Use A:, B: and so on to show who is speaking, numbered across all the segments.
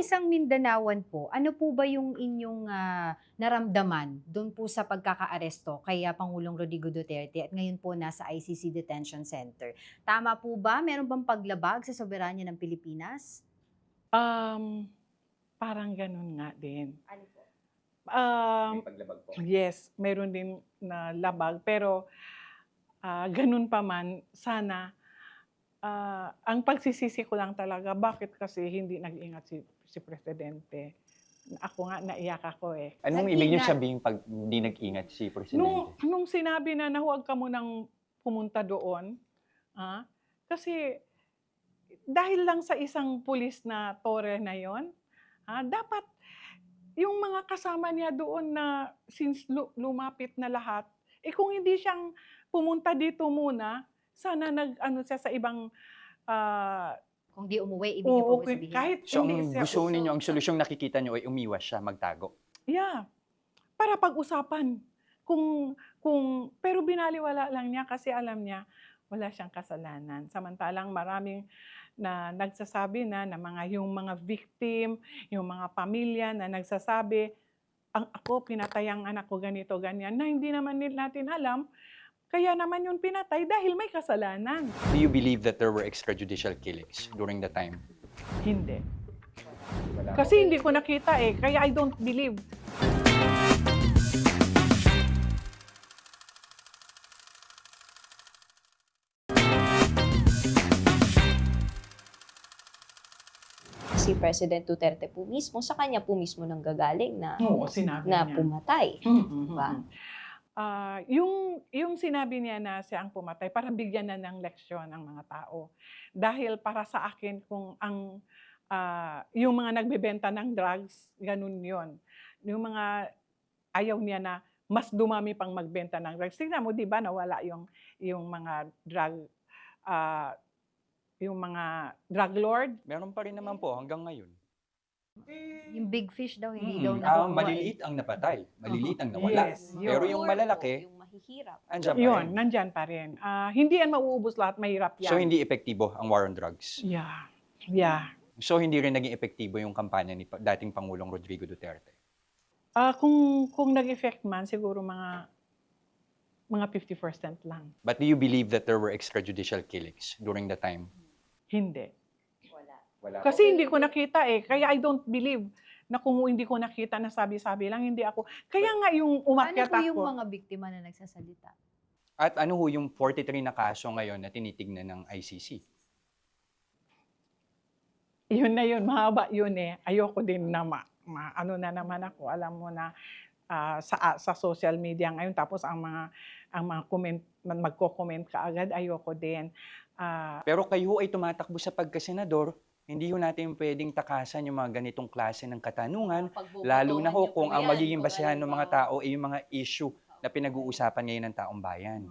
A: isang Mindanaoan po, ano po ba yung inyong naramdaman doon po sa pagkakaaresto kay Pangulong Rodrigo Duterte at ngayon po nasa ICC Detention Center? Tama po ba? Meron bang paglabag sa soberanya ng Pilipinas?
B: Um, Parang gano'n nga din.
A: Ano po?
C: Paglabag po.
B: Yes, meron din na labag pero, gano'n pa man sana, ang pagsisisi ko lang talaga bakit kasi hindi nag-ingat si presidente. Ako nga naiyak ako, eh.
C: Anong ibig niyo
A: Nag-ingat.
C: sabihing 'pag hindi nag-ingat si
B: Nung
C: presidente?
B: nung sinabi na huwag ka munang pumunta doon, kasi dahil lang sa isang pulis na tore na 'yon, dapat yung mga kasama niya doon na since lumapit na lahat, kung hindi siyang pumunta dito muna, sana nag-ano siya sa ibang,
A: Kung di umuwi, ibig niyo po ba sabihin?
B: kahit
C: So
B: hindi
C: ang
B: siya
C: gusto ninyo, ang solusyong nakikita niyo ay umiwas siya, magtago?
B: yeah, para pag-usapan. Pero binaliwala lang niya kasi alam niya wala siyang kasalanan. Samantalang maraming na nagsasabi na yung mga victim, yung mga pamilya na nagsasabi, ako pinatay ang anak ko ganito, ganyan, na hindi naman natin alam, kaya naman yung pinatay dahil may kasalanan.
C: Do you believe that there were extrajudicial killings during the time?
B: Hindi.
C: Wala.
B: Kasi hindi ko nakita kaya I don't believe.
D: Si President Duterte po mismo, sa kanya po mismo nanggagaling na,
B: Oo, sinabi
D: na
B: niya.
D: pumatay. Diba?
B: Yung sinabi niya na siya ang pumatay para bigyan na ng leksyon ang mga tao. Dahil para sa akin kung yung mga nagbebenta ng drugs, ganun yon. Yung mga ayaw niya na mas dumami pang magbenta ng drugs. Tingnan mo, di ba, nawala yung mga drug lord.
C: Meron pa rin naman po hanggang ngayon.
A: Yung big fish daw, hindi daw nakukuha.
C: Maliliit ang napatay, maliliit ang nawala.
B: Yes,
C: Pero
B: yun.
C: yung malalaki,
D: Yung mahihirap.
C: andyan pa
B: Yun,
C: rin.
B: nandyan pa rin. Hindi yan mauubos lahat, mahirap yan.
C: So hindi epektibo ang war on drugs.
B: Yeah. Yeah.
C: So hindi rin naging epektibo yung kampanya ni dating Pangulong Rodrigo Duterte.
B: Kung nag-effect man, siguro mga 50% lang.
C: But do you believe that there were extrajudicial killings during the time?
B: Hindi.
C: Wala.
B: Kasi hindi ko nakita kaya I don't believe na kung hindi ko nakita na sabi-sabi lang, hindi ako. Kaya nga yung
A: Ano
B: umakyat
A: po yung
B: ako.
A: mga biktima na nagsasalita?
C: At ano ho yung 43 na kaso ngayon na tinitignan ng ICC?
B: Yun na yun, mahaba yun Ayoko din na ano na naman ako, alam mo na sa social media ngayon, tapos ang mga comment, magko-comment ka agad, ayoko din.
C: Pero kayo ay tumatakbo sa pagkasenador, hindi ho natin pwedeng takasan yung mga ganitong klase ng katanungan, lalo na ho kung ang magiging basehan ng mga tao ay yung mga issue na pinag-uusapan ngayon ng taong bayan.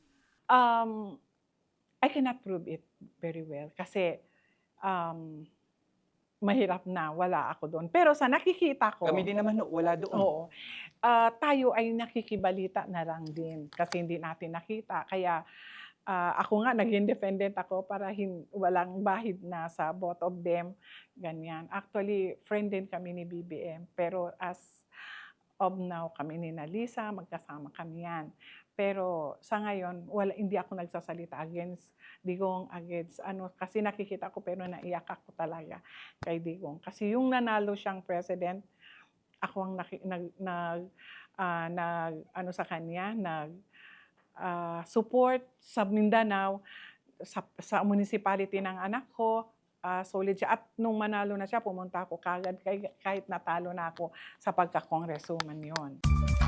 B: I cannot prove it very well kasi mahirap na, wala ako doon. Pero sa nakikita ko,
C: Kami din naman wala doon.
B: oo, tayo ay nakikibalita na lang din kasi hindi natin nakita. Kaya ako nga, nag-independent ako para walang bahid na sa both of them. Ganyan. Actually, friend din kami ni BBM. Pero as of now, kami ni Nalisa, magkasama kami yan. Pero sa ngayon, hindi ako nagsasalita against Digong, kasi nakikita ko pero naiyak ako talaga kay Digong. Kasi yung nanalo siyang president, ako ang sa kanya, support sa Mindanao, sa municipality ng anak ko, solid siya. At nung manalo na siya, pumunta ako kagad kahit natalo na ako sa pagka-congresswoman yon.